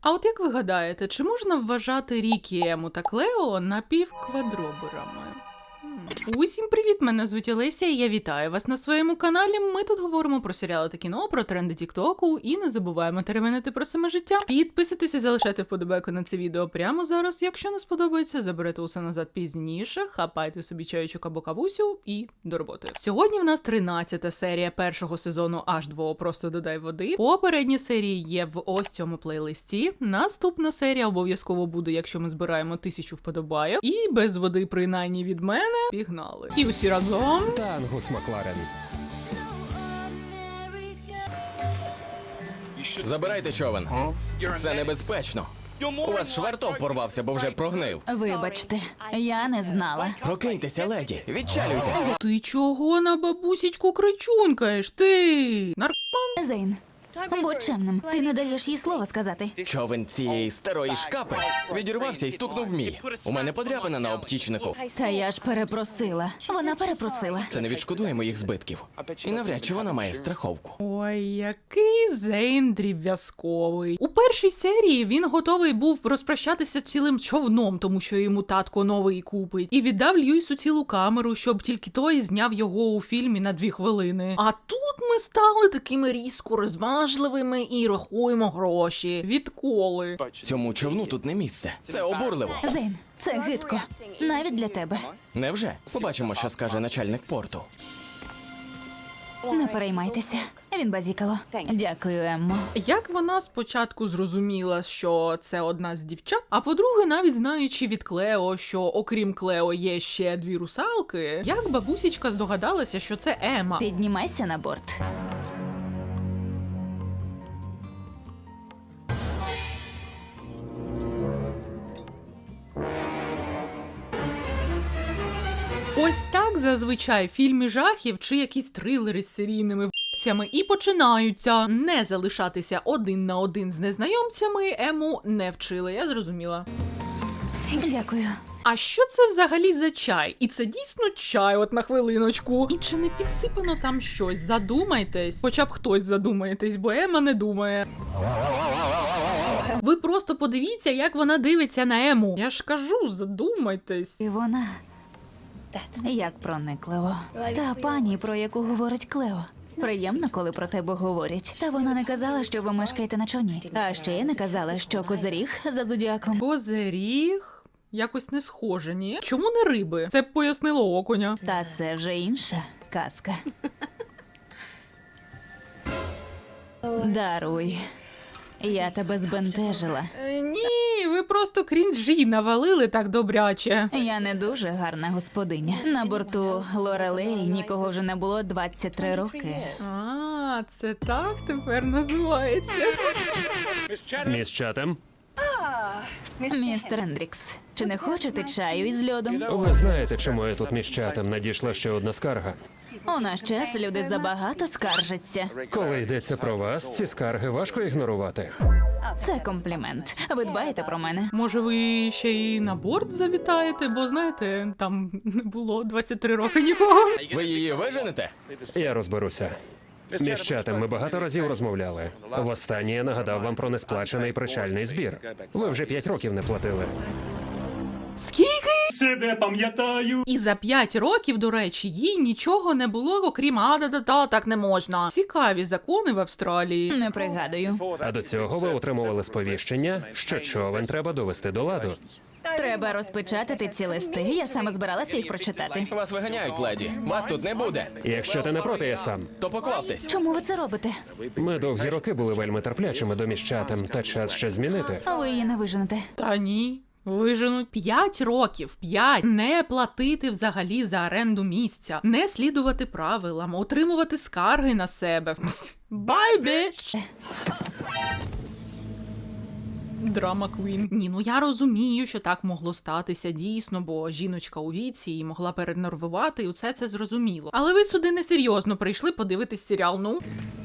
А от як ви гадаєте, чи можна вважати Рікі, Ему та Клео напівквадроберами? Усім привіт, мене звуть Олеся, і я вітаю вас на своєму каналі. Ми тут говоримо про серіали та кіно, про тренди тіктоку і не забуваємо теревенити про саме життя. Підписуйтесь і залишайте вподобайку на це відео прямо зараз. Якщо не сподобається, заберете усе назад пізніше, хапайте собі чайочок або кавусю і до роботи. Сьогодні в нас 13-та серія першого сезону H2O «Просто додай води». Попередні серії є в ось цьому плейлисті. Наступна серія обов'язково буде, якщо ми збираємо 1000 вподобайок. І без води, принаймні від мене, пігнали. І усі разом. Тангус Макларен. Забирайте човен. Це небезпечно. У вас швартов порвався, бо вже прогнив. Вибачте, я не знала. Прокиньтеся, леді, відчалюйте. Ти чого на бабусічку кричунькаєш? Ти Зейн, будь чемним, ти не даєш їй слова сказати. Човен цієї старої шкапи відірвався і стукнув мій. У мене подряпина на обтічнику. Та я ж перепросила. Вона перепросила. Це не відшкодує моїх збитків. І навряд чи вона має страховку. Ой, який Зейн дріб'язковий. У першій серії він готовий був розпрощатися цілим човном, тому що йому татко новий купить. І віддав Льюісу цілу камеру, щоб тільки той зняв його у фільмі на 2 хвилини. А тут ми стали такими різко розважливими і рахуємо гроші. Відколи? Цьому човну тут не місце. Це обурливо. Зейн, це гидко. Навіть для тебе. Невже? Побачимо, що скаже начальник порту. Не переймайтеся. Він базікало. Дякую, Еммо. Як вона спочатку зрозуміла, що це одна з дівчат, а по-друге, навіть знаючи від Клео, що окрім Клео є ще 2 русалки, як бабусічка здогадалася, що це Ема? Піднімайся на борт. Ось так зазвичай фільми жахів чи якісь трилери з серійними в***цями і починаються. Не залишатися один на один з незнайомцями Ему не вчили, я зрозуміла. Дякую. А що це взагалі за чай? І це дійсно чай, от на хвилиночку. І чи не підсипано там щось? Задумайтесь. Хоча б хтось задумаєтесь, бо Ема не думає. Ви просто подивіться, як вона дивиться на Ему. Я ж кажу, задумайтесь. І вона... Як проникливо. Та пані, про яку говорить Клео. Приємно, коли про тебе говорять. Та вона не казала, що ви мешкаєте на човні. А ще й не казала, що козиріг за зодіаком. Козиріг? Якось не схоже, ні? Чому не риби? Це б пояснило окуня. Та це вже інша казка. Даруй. Я тебе збентежила. Ні, ви просто крінжі навалили так добряче. Я не дуже гарна господиня. На борту Лорелей нікого вже не було 23 роки. А, це так тепер називається. Міс Чатем. Містер Ендрікс, чи не хочете чаю із льодом? Ви знаєте, чому я тут міс Чатем? Надійшла ще одна скарга. У наш час люди забагато скаржаться. Коли йдеться про вас, ці скарги важко ігнорувати. Це комплімент. Ви дбаєте про мене. Може, ви ще й на борт завітаєте, бо, знаєте, там не було 23 роки нікого. Ви її виженете? Я розберуся. Міс Чатем, ми багато разів розмовляли. Востаннє я нагадав вам про несплачений причальний збір. Ви вже 5 років не платили. Скільки? Себе пам'ятаю. І за 5 років, до речі, їй нічого не було, окрім «а-да-да-да, так не можна». Цікаві закони в Австралії. Не пригадую. А до цього ви отримували сповіщення, що човен треба довести до ладу. Треба розпечатати ці листи. Я саме збиралася їх прочитати. Вас виганяють, леді. Вас тут не буде. Якщо ти не проти, я сам. То покваптесь. Чому ви це робите? Ми довгі роки були вельми терплячими до міс Чатем, та час ще змінити. Ви її не виженете. Та ні. Виженуть 5 років, 5. Не платити взагалі за оренду місця, не слідувати правилам, отримувати скарги на себе. Бай, біч! Драма Квін. Ні, ну я розумію, що так могло статися дійсно, бо жіночка у віці і могла перенервувати, і усе це зрозуміло. Але ви сюди несерйозно прийшли подивитись серіал, ну?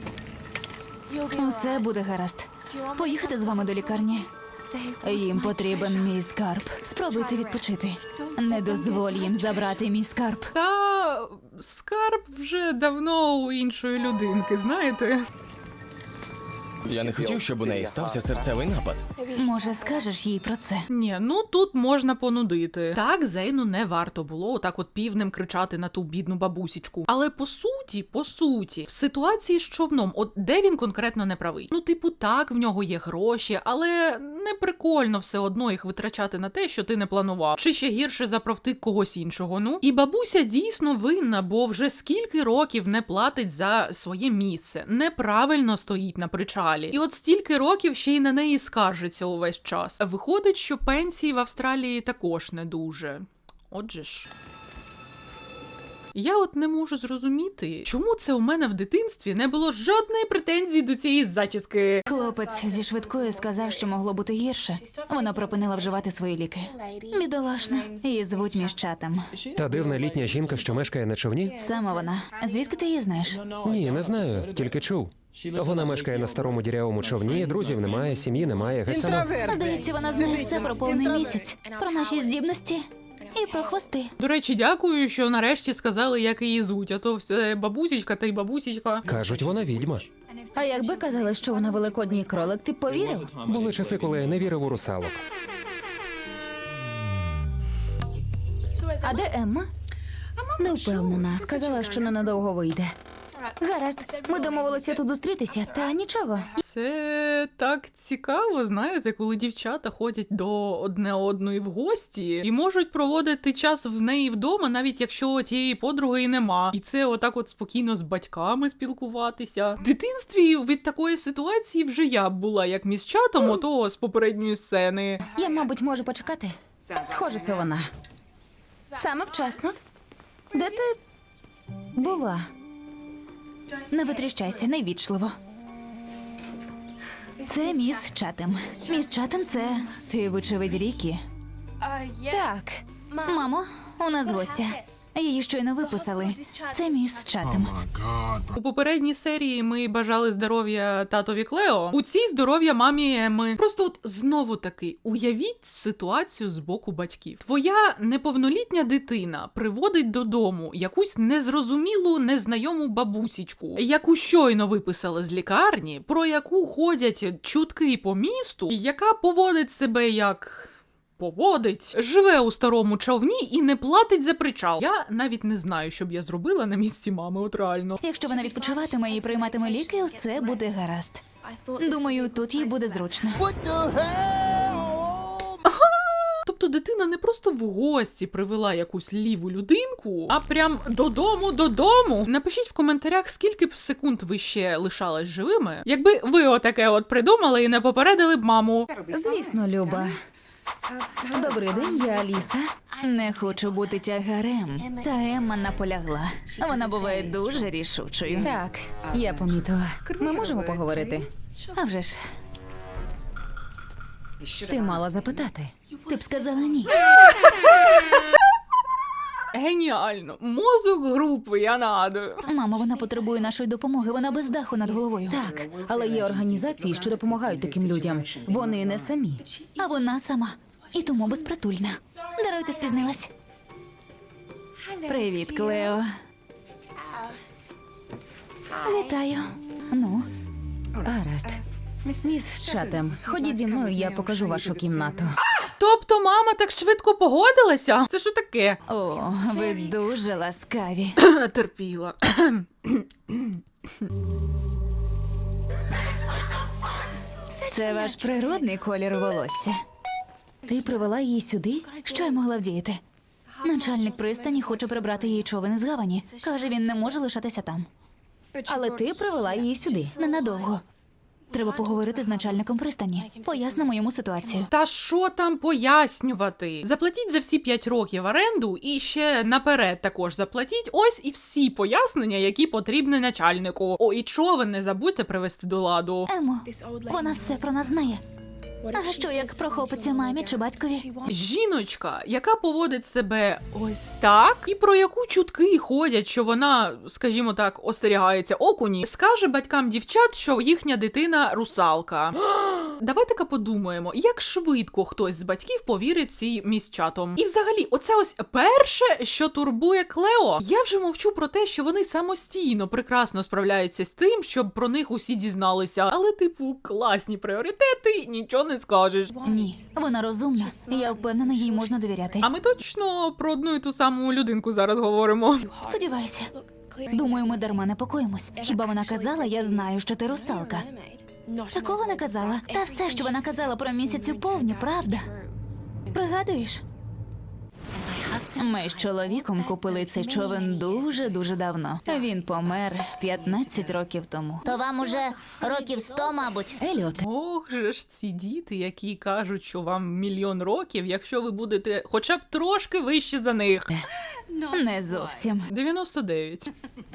Усе буде гаразд. Поїхати з вами до лікарні? Їм потрібен мій скарб. Спробуйте відпочити. Не дозволь їм забрати мій скарб. Та скарб вже давно у іншої людинки, знаєте? Я не хотів, щоб у неї стався серцевий напад. Може, скажеш їй про це? Ні, ну тут можна понудити. Так, Зейну не варто було отак от півнем кричати на ту бідну бабусічку. Але по суті, в ситуації з човном, от де він конкретно не правий? Ну, типу, так, в нього є гроші, але не прикольно все одно їх витрачати на те, що ти не планував. Чи ще гірше заправти когось іншого, ну? І бабуся дійсно винна, бо вже скільки років не платить за своє місце, неправильно стоїть на причалі. І от стільки років ще й на неї скаржиться увесь час. Виходить, що пенсії в Австралії також не дуже. Отже ж. Я от не можу зрозуміти, чому це у мене в дитинстві не було жодної претензії до цієї зачіски. Хлопець зі швидкою сказав, що могло бути гірше. Вона припинила вживати свої ліки. Бідолашна. Її звуть Міщатам. Та дивна літня жінка, що мешкає на човні? Саме вона. Звідки ти її знаєш? Ні, не знаю, тільки чув. Вона мешкає на старому дірявому човні, друзів немає, сім'ї немає, геть сама. Здається, вона знає все про повний місяць, про наші здібності і про хвости. До речі, дякую, що нарешті сказали, як її звуть, а то все бабусічка та й бабусічка. Кажуть, вона відьма. А якби казали, що вона великодній кролик, ти б повірив? Були часи, коли я не вірив у русалок. А де Емма? Не впевнена. Сказала, що ненадовго вийде. Гаразд, ми домовилися тут зустрітися, та нічого. Це так цікаво, знаєте, коли дівчата ходять до одне одної в гості і можуть проводити час в неї вдома, навіть якщо тієї подруги і нема. І це отак от спокійно з батьками спілкуватися. В дитинстві від такої ситуації вже я б була як міщатом, ото з попередньої сцени. Я, мабуть, можу почекати. Схоже, це вона. Саме вчасно. Де ти була? Не витріщайся, невічливо. Це міс Чатем. Міс Чатем – це ти, вочевидь, Рікі. Так. Мамо, у нас гостя. Її щойно виписали. Це міс Чатем. У попередній серії ми бажали здоров'я татові Клео, у цій здоров'я мамі Емми. Просто от знову таки, уявіть ситуацію з боку батьків. Твоя неповнолітня дитина приводить додому якусь незрозумілу, незнайому бабусічку, яку щойно виписали з лікарні, про яку ходять чутки по місту, і яка поводить себе як... живе у старому човні і не платить за причал. Я навіть не знаю, що б я зробила на місці мами, от реально. Якщо вона відпочиватиме і прийматиме ліки, все буде гаразд. Думаю, тут їй буде зручно. Тобто дитина не просто в гості привела якусь ліву людинку, а прям додому. Напишіть в коментарях, скільки б секунд ви ще лишались живими, якби ви отаке от придумали і не попередили б маму. Звісно, Люба. Добрий день, я Аліса. Не хочу бути тягарем. Та Емма наполягла. Вона буває дуже рішучою. Так, я помітила. Ми можемо поговорити? А вже ж. Ти мала запитати. Ти б сказала ні. Геніально. Мозок групи, я нагадую. Мамо, вона потребує нашої допомоги. Вона без даху над головою. Так, але є організації, що допомагають таким людям. Вони не самі. А вона сама. І тому безпритульна. Даруйте, спізнилась. Привіт, Клео. Вітаю. Ну, Гаразд. Міс Чатем, ходіть зі мною, я покажу вашу кімнату. Тобто мама так швидко погодилася? Це що таке? о, ви дуже ласкаві. Терпіла. Це ваш природний колір волосся. Ти привела її сюди? Що я могла вдіяти? Начальник пристані хоче прибрати її човен з гавані. Каже, він не може лишатися там. Але ти привела її сюди. Ненадовго. Треба поговорити з начальником пристані. Пояснимо йому ситуацію. Та що там пояснювати? Заплатіть за всі 5 років оренду і ще наперед також заплатіть. Ось і всі пояснення, які потрібні начальнику. О, і човен не забудьте привести до ладу. Емо, вона все про нас знає. А що, як прохопиться мамі чи батькові? Жіночка, яка поводить себе ось так, і про яку чутки ходять, що вона, скажімо так, остерігається окуні, скаже батькам дівчат, що їхня дитина русалка. Давайте-ка подумаємо, як швидко хтось з батьків повірить цій міс-чатом. І взагалі, оце ось перше, що турбує Клео. Я вже мовчу про те, що вони самостійно прекрасно справляються з тим, щоб про них усі дізналися. Але, типу, класні пріоритети, нічого не скажеш. Ні, вона розумна. Я впевнена, їй можна довіряти. А ми точно про одну і ту саму людинку зараз говоримо. Сподіваюся. Думаю, ми дарма непокоїмось. Хіба вона казала, я знаю, що ти русалка? Такого не казала. Та все, що вона казала про місяцю повні, правда? Пригадуєш? Ми з чоловіком купили цей човен дуже-дуже давно. Він помер 15 років тому. То вам уже років 100, мабуть. Еліот, Ох же ж ці діти, які кажуть, що вам мільйон років, якщо ви будете хоча б трошки вище за них. Не зовсім. 99.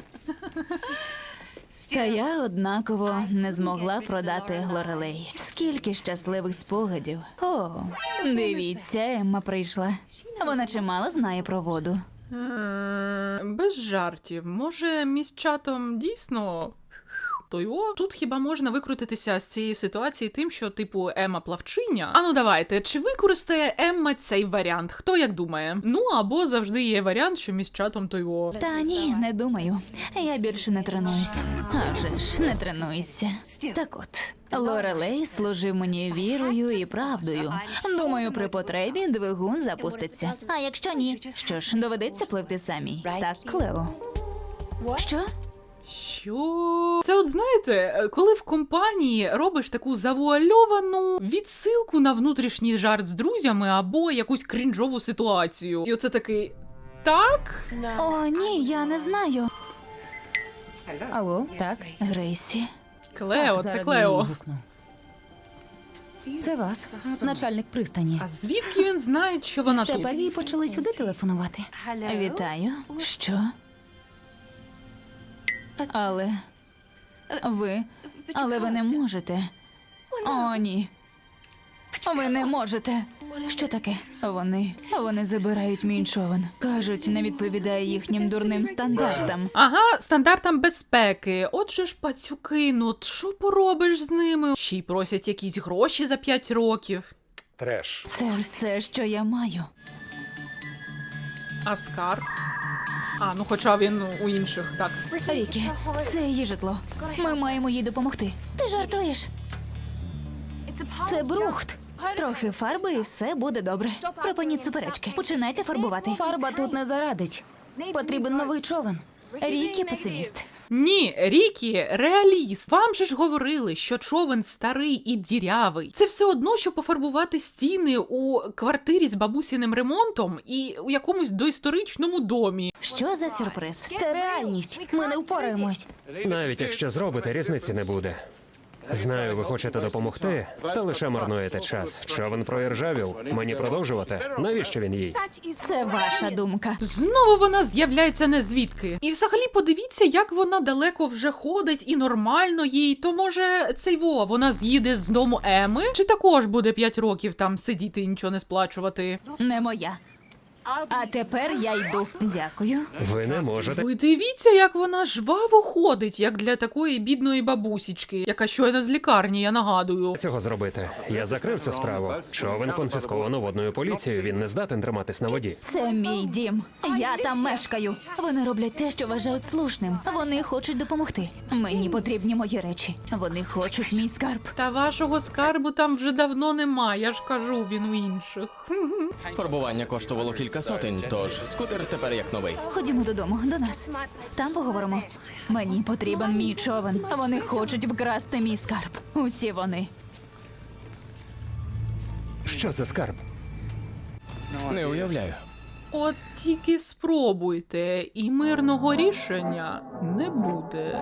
Та я однаково не змогла продати Лорелей. Скільки щасливих спогадів. О, дивіться, Емма прийшла. Вона чимало знає про воду. Без жартів. Може, міс-чатом дійсно... Тут хіба можна викрутитися з цієї ситуації тим, що, типу, Емма плавчиня? Ану давайте, чи використає Емма цей варіант? Хто як думає? Ну, або завжди є варіант, що міс-чатом то його. Та ні, не думаю. Я більше не тренуюсь. А вже ж, не тренуйся. Так от, Лорелей служив мені вірою і правдою. Думаю, при потребі двигун запуститься. А якщо ні? Що ж, доведеться пливти самій. Так, Клео. Що? Що? Це от знаєте, коли в компанії робиш таку завуальовану відсилку на внутрішній жарт з друзями або якусь крінжову ситуацію. І оце такий... Так? О, ні, я не знаю. алло, так? Грейсі. Клео, це Зараз я Клео. її гукну. Це вас, начальник пристані. А звідки він знає, що вона тут? Тепер їй почали сюди телефонувати. Вітаю. Що? Але ви не можете. О, ні. Ви не можете. Що таке? Вони забирають мій човен. Кажуть, не відповідає їхнім дурним стандартам. Ага, стандартам безпеки. Отже ж, пацюки, ну от що поробиш з ними? Ще й просять якісь гроші за 5 років. Треш. Це все, що я маю. А скарб? А, ну хоча він у інших, так. Рікі, це її житло. Ми маємо їй допомогти. Ти жартуєш? Це брухт. Трохи фарби і все буде добре. Припиніть суперечки. Починайте фарбувати. Фарба тут не зарадить. Потрібен новий човен. Рікі песиміст. Ні, Рікі, реаліст. Вам же ж говорили, що човен старий і дірявий. Це все одно, що пофарбувати стіни у квартирі з бабусіним ремонтом і у якомусь доісторичному домі. Що за сюрприз? Це реальність. Ми не впораємось. Навіть якщо зробите, різниці не буде. Знаю, ви хочете допомогти, та лише марнуєте час. Човен проіржавів. Мені продовжувати? Навіщо він їй? Це ваша думка. Знову вона з'являється не звідки. І взагалі подивіться, як вона далеко вже ходить і нормально їй. То може вона з'їде з дому Еми? Чи також буде 5 років там сидіти і нічого не сплачувати? Не моя. А тепер я йду. Дякую. Ви не можете. Ви дивіться, як вона жваво ходить, як для такої бідної бабусічки, яка щойно з лікарні, я нагадую. Цього зробити. Я закрив цю справу. Човен конфісковано водною поліцією. Він не здатен триматись на воді. Це мій дім. Я там мешкаю. Вони роблять те, що вважають слушним. Вони хочуть допомогти. Мені потрібні мої речі. Вони хочуть мій скарб. Та вашого скарбу там вже давно нема, я ж кажу, він у інших. Фарбування коштувало кілька сотень, тож скутер тепер як новий. Ходімо додому, до нас. Там поговоримо. Мені потрібен мій човен. Вони хочуть вкрасти мій скарб. Усі вони. Що за скарб? Не уявляю. От тільки спробуйте, і мирного рішення не буде.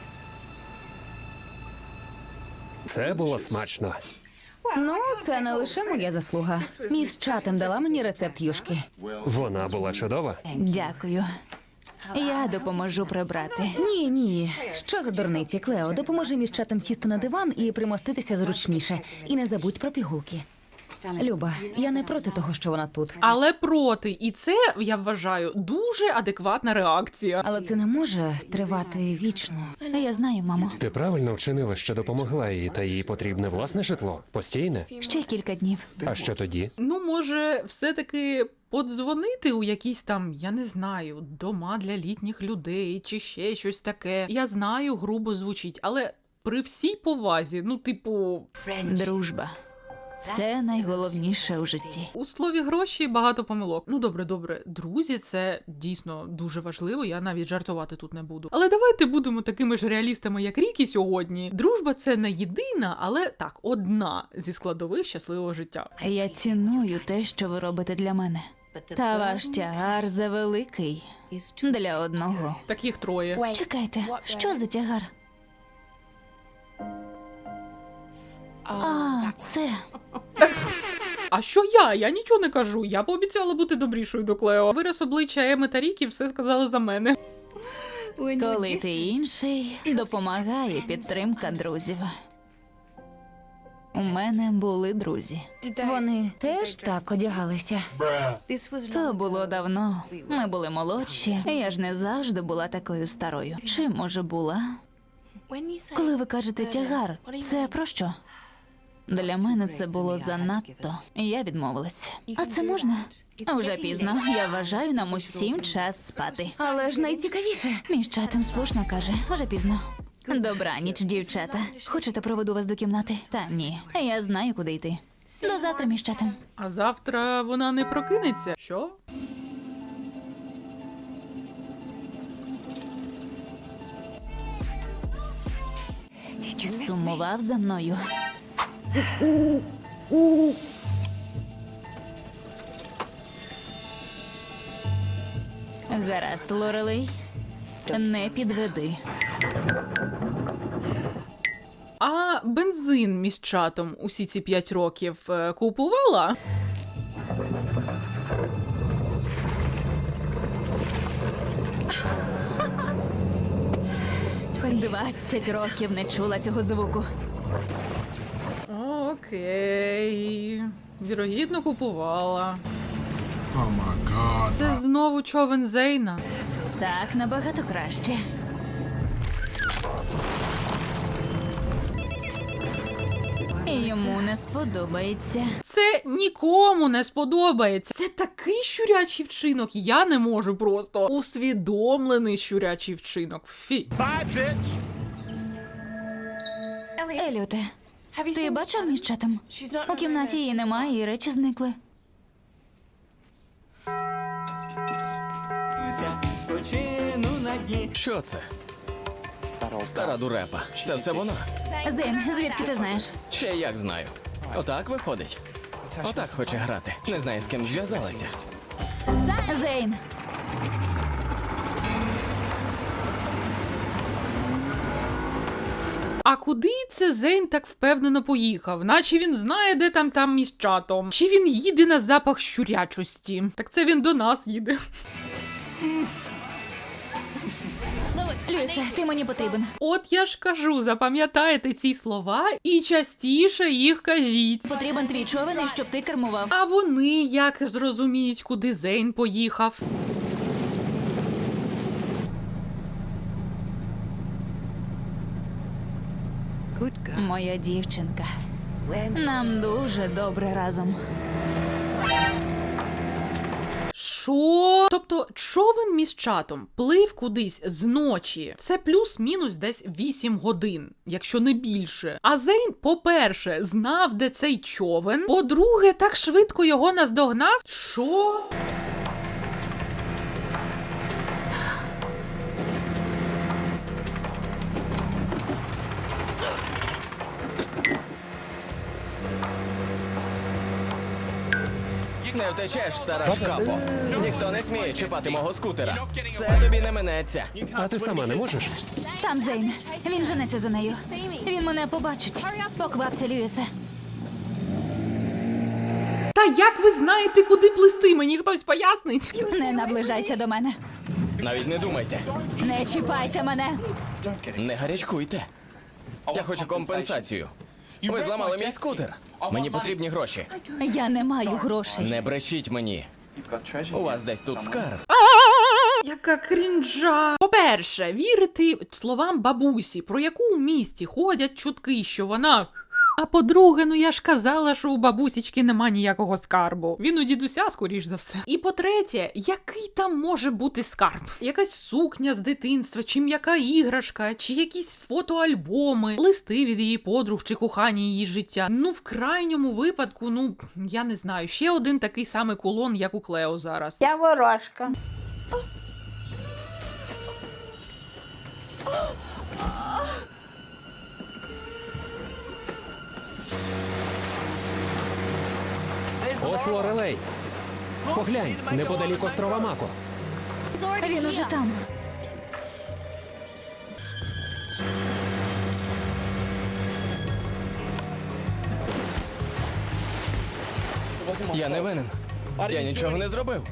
Це було смачно. Ну, це не лише моя заслуга. Міс Чатем дала мені рецепт юшки. Вона була чудова. Дякую. Я допоможу прибрати. Ні. Що за дурниці, Клео? Допоможи міс Чатем сісти на диван і примоститися зручніше. І не забудь про пігулки. Люба, я не проти того, що вона тут. Але проти. І це, я вважаю, дуже адекватна реакція. Але це не може тривати вічно. Я знаю, мамо. Ти правильно вчинила, що допомогла їй, та їй потрібне власне житло. Постійне. Ще кілька днів. А що тоді? Ну, може, все-таки подзвонити у якісь там, я не знаю, дома для літніх людей чи ще щось таке. Я знаю, грубо звучить, але при всій повазі, ну, типу, Дружба. Це найголовніше у житті. у слові гроші багато помилок. Ну, добре, друзі, це дійсно дуже важливо, я навіть жартувати тут не буду. Але давайте будемо такими ж реалістами, як Рікі сьогодні. Дружба – це не єдина, але так, одна зі складових щасливого життя. Я ціную те, що ви робите для мене. Та ваш тягар завеликий для одного. Таких троє. Чекайте, що за тягар? А, це. А що я? Я нічого не кажу. Я пообіцяла бути добрішою до Клео. Вираз обличчя Еми та Рікі все сказали за мене. Коли ти інший, допомагає підтримка друзів. У мене були друзі. Вони теж так одягалися. То було давно. Ми були молодші. Я ж не завжди була такою старою. Чи, може, була? Коли ви кажете тягар, це про що? Для мене це було занадто. Я відмовилась. А це можна? Уже пізно. Я вважаю, нам усім час спати. Але ж найцікавіше. Між чатом слушно каже. Уже пізно. Добраніч, дівчата. Хочете, проведу вас до кімнати? Та ні. Я знаю, куди йти. До завтра, між чатом. А завтра вона не прокинеться. Що? Сумував за мною. Гаразд, Лорелей. Не підведи. А бензин між чатом усі ці 5 років купувала? — 20 років не чула цього звуку. Окей. Вірогідно, купувала. Це знову човен Зейна. Так, набагато краще. Йому не сподобається. Це нікому не сподобається. Це такий щурячий вчинок. Я не можу просто. Усвідомлений щурячий вчинок. Фі. Еліоте, ти бачив між чатом? У кімнаті її немає, і речі зникли. Що це? Стара дурепа. Це все вона. Зейн, звідки ти знаєш? Ще як знаю. Отак виходить. Отак хоче грати. Не знає, з ким зв'язалася. Зейн! А куди це Зейн так впевнено поїхав? Наче він знає, де там між чатом. Чи він їде на запах щурячості? Так це він до нас їде. Люїсе, ти мені потрібен. От я ж кажу, запам'ятайте ці слова і частіше їх кажіть. Потрібен твій човен, і щоб ти кермував. А вони як зрозуміють, куди Зейн поїхав? Моя дівчинка. Нам дуже добре разом. Що? Тобто човен між чатом плив кудись зночі. Це плюс-мінус десь 8 годин, якщо не більше. А Зейн, по-перше, знав, де цей човен. По-друге, так швидко його наздогнав. Що? Не втечеш, стара шкапо. Ніхто не сміє чіпати мого скутера. Це тобі не минеться. А ти сама не можеш? Там Зейн. Він женеться за нею. Він мене побачить. Поквапся, Люїсе. Та як ви знаєте, куди плисти? Мені хтось пояснить? Не наближайся до мене. Навіть не думайте. Не чіпайте мене. Не гарячкуйте. Я хочу компенсацію. Ви зламали мій скутер. Мені потрібні гроші. Я не маю грошей. Не брешіть мені. У вас десь тут скарб. Яка крінжа. По-перше, вірити словам бабусі, про яку у місті ходять чутки, що вона... А по-друге, ну я ж казала, що у бабусічки нема ніякого скарбу. Він у дідуся, скоріш за все. І по-третє, який там може бути скарб? Якась сукня з дитинства, чи м'яка іграшка, чи якісь фотоальбоми, листи від її подруг чи кохання її життя. Ну, в крайньому випадку, ну, я не знаю, ще один такий самий кулон, як у Клео зараз. Я ворожка. Ось Лорелей. Поглянь, неподалік острова Мако. Він уже там. Я не винен. Я нічого не зробив.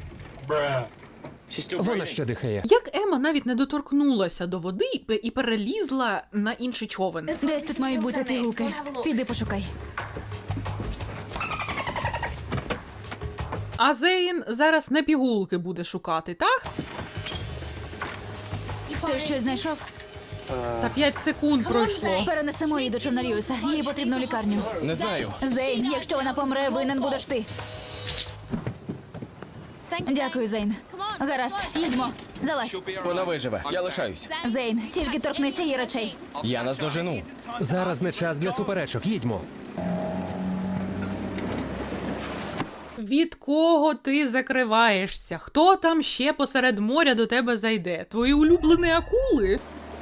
Вона ще дихає. Як Ема навіть не доторкнулася до води і перелізла на інший човен. Десь тут мають бути пігулки. Піди пошукай. А Зейн зараз не пігулки буде шукати, так? Ти щось знайшов? Та 5 секунд пройшло. Перенесемо її до човна Льюіса. Їй потрібно в лікарню. Не знаю. Зейн, якщо вона помре, винен будеш ти. Дякую, Зейн. Гаразд, їдьмо. Залазь. Вона виживе. Я лишаюсь. Зейн, тільки торкнися її речей. Я наздожену. Зараз не час для суперечок. Їдьмо. Від кого ти закриваєшся? Хто там ще посеред моря до тебе зайде? Твої улюблені акули?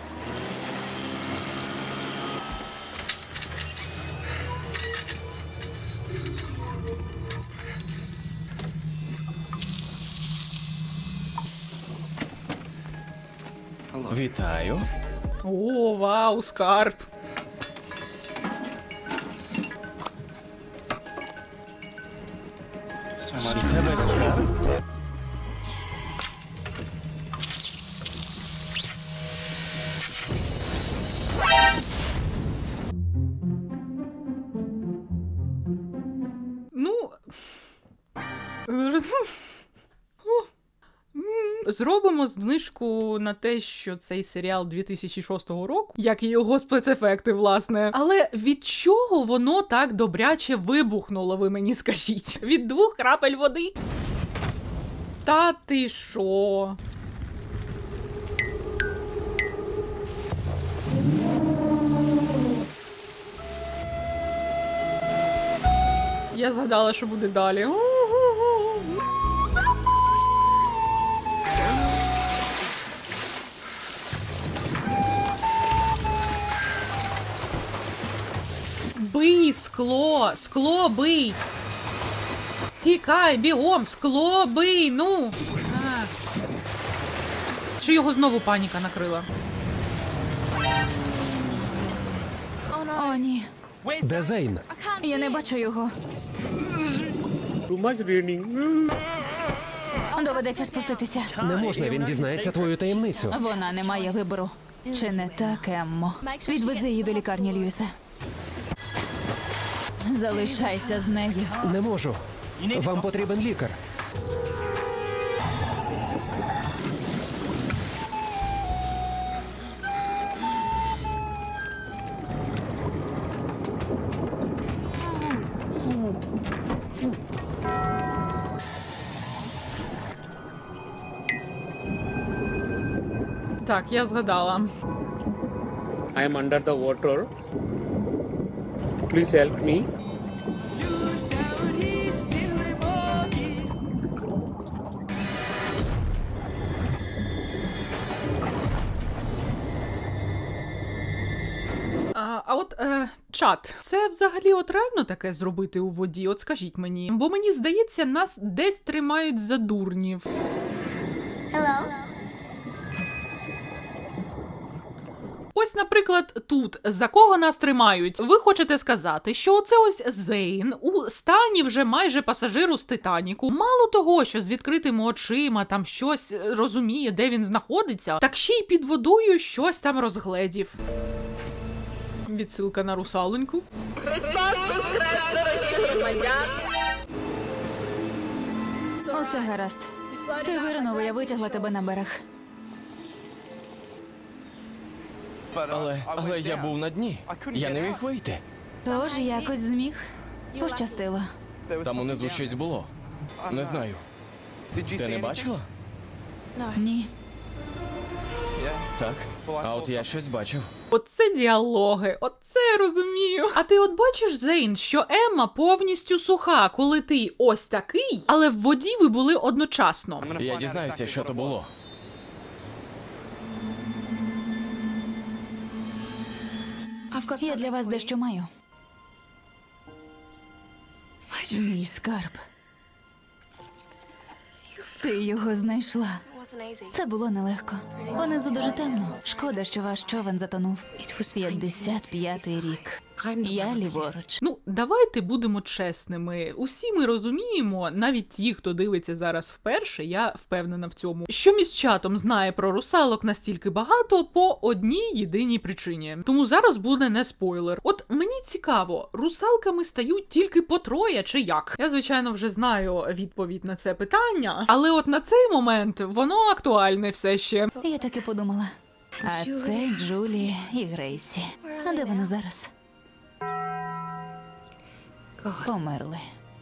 Вітаю. О, вау, скарб. Це весь скарб? Ну. Зробимо знижку на те, що цей серіал 2006 року, як і його спецефекти, власне. Але від чого воно так добряче вибухнуло, ви мені скажіть? Від 2 крапель води? Та ти шо? Я згадала, що буде далі. Бий скло! Скло бий! Тікай, бігом! Скло бий! Ну! А. Чи його знову паніка накрила? О, ні. Де Зейн? Я не бачу його. Доведеться спуститися. Не можна, він дізнається твою таємницю. Вона не має вибору. Чи не так, Еммо? Відвези її до лікарні, Льюіса. Залишайся з нею. Не можу. Вам потрібен лікар. Так, я згадала. I am under the water. Please help me. А от чат, це взагалі от реально таке зробити у воді? От скажіть мені. Бо мені здається, нас десь тримають за дурнів. Ось, наприклад, тут за кого нас тримають? Ви хочете сказати, що оце ось Зейн у стані вже майже пасажиру з Титаніку. Мало того, що з відкритими очима там щось розуміє, де він знаходиться, так ще й під водою щось там розгледів. Відсилка на русалоньку. Христос воскрес! Усе гаразд. Ти виринув, я витягла тебе на берег. Але я був на дні. Я не міг вийти. Тож якось зміг. Пощастило. Там унизу щось було. Не знаю. Ти не бачила? Ні. Так. А от я щось бачив. Оце діалоги, оце я розумію. А ти от бачиш, Зейн, що Емма повністю суха, коли ти ось такий, але в воді ви були одночасно. Я дізнаюся, що то було. Я для вас дещо маю. Мій скарб. Ти його знайшла. Це було нелегко. Понизу дуже темно. Шкода, що ваш човен затонув. 55-й рік. Я ліворуч. Ну, давайте будемо чесними. Усі ми розуміємо, навіть ті, хто дивиться зараз вперше, я впевнена в цьому, що міськчатом знає про русалок настільки багато по одній єдиній причині. Тому зараз буде не спойлер. От мені цікаво, русалками стають тільки по троє чи як? Я, звичайно, вже знаю відповідь на це питання, але от на цей момент воно актуальне все ще. Я так і подумала. А це Джулі і Грейсі. А де вони зараз? Померли.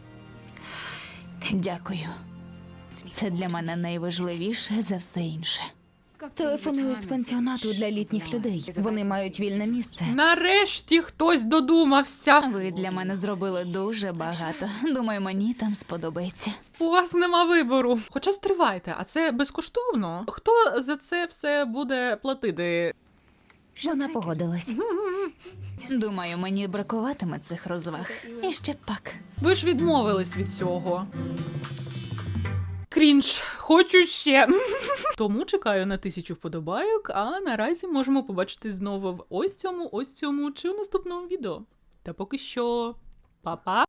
Дякую. Це для мене найважливіше за все інше. Телефонують з пансіонату для літніх людей. Вони мають вільне місце. Нарешті хтось додумався. Ви для мене зробили дуже багато. Думаю, мені там сподобається. У вас нема вибору. Хоча стривайте, а це безкоштовно? Хто за це все буде платити? Вона погодилась. Думаю, мені бракуватиме цих розваг. І ще пак. Ви ж відмовились від цього. Крінж, хочу ще. Тому чекаю на 1000 вподобайок, а наразі можемо побачитись знову в ось цьому чи в наступному відео. Та поки що, па-па!